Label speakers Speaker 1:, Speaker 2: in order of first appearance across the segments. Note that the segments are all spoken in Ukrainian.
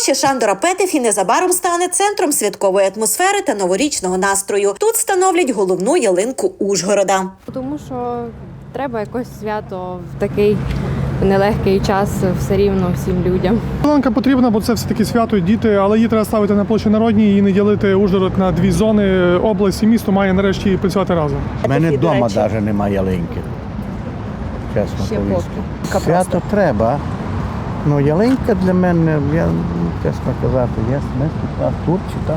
Speaker 1: Площа Шандора Петефі незабаром стане центром святкової атмосфери та новорічного настрою. Тут встановлять головну ялинку Ужгорода.
Speaker 2: Тому що треба якось свято в такий нелегкий час все рівно всім людям.
Speaker 3: Ялинка потрібна, бо це все-таки свято, діти, але її треба ставити на площі Народній і не ділити Ужгород на дві зони. Область і місто має нарешті працювати разом.
Speaker 4: У мене вдома навіть немає ялинки. Чесно повісти. Свято треба. Ну, ялинка для мене, я, чесно казати, я тут чи там,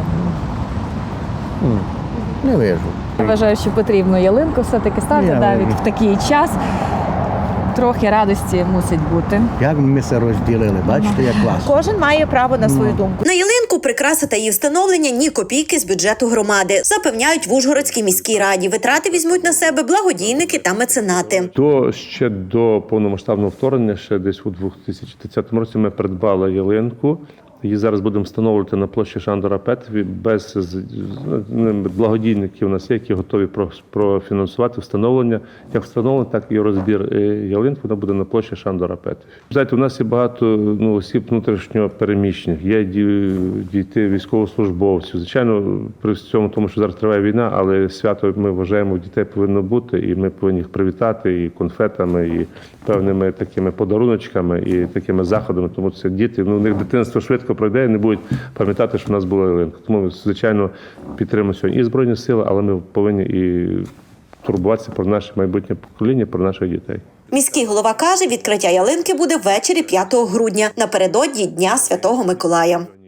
Speaker 4: не вижу.
Speaker 5: Я вважаю, що потрібно ялинку все-таки ставити навіть в такий час. Трохи радості мусить бути.
Speaker 4: Як ми це розділили, бачите, як класно.
Speaker 6: Кожен має право на свою думку.
Speaker 1: На ялинку, прикраси та її встановлення ні копійки з бюджету громади. Запевняють в Ужгородській міській раді. Витрати візьмуть на себе благодійники та меценати.
Speaker 7: Ще до повномасштабного вторгнення, ще десь у 2030 році ми придбали ялинку. Її зараз будемо встановлювати на площі Шандора Петефі. Без благодійників у нас є, які готові профінансувати встановлення. Як встановлення, так і розбір ялинки, вона буде на площі Шандора Петефі. Знаєте, у нас є багато осіб внутрішньо переміщених, є діти військовослужбовців. Звичайно, при цьому, тому що зараз триває війна, але свято, ми вважаємо, дітей повинно бути, і ми повинні їх привітати і конфетами, і певними такими подаруночками, і такими заходами. Тому це діти, у них дитинство швидко пройде і не будуть пам'ятати, що в нас була ялинка. Тому ми, звичайно, підтримуємо сьогодні і Збройні Сили, але ми повинні і турбуватися про наше майбутнє покоління, про наших дітей.
Speaker 1: Міський голова каже, відкриття ялинки буде ввечері 5 грудня, напередодні Дня Святого Миколая.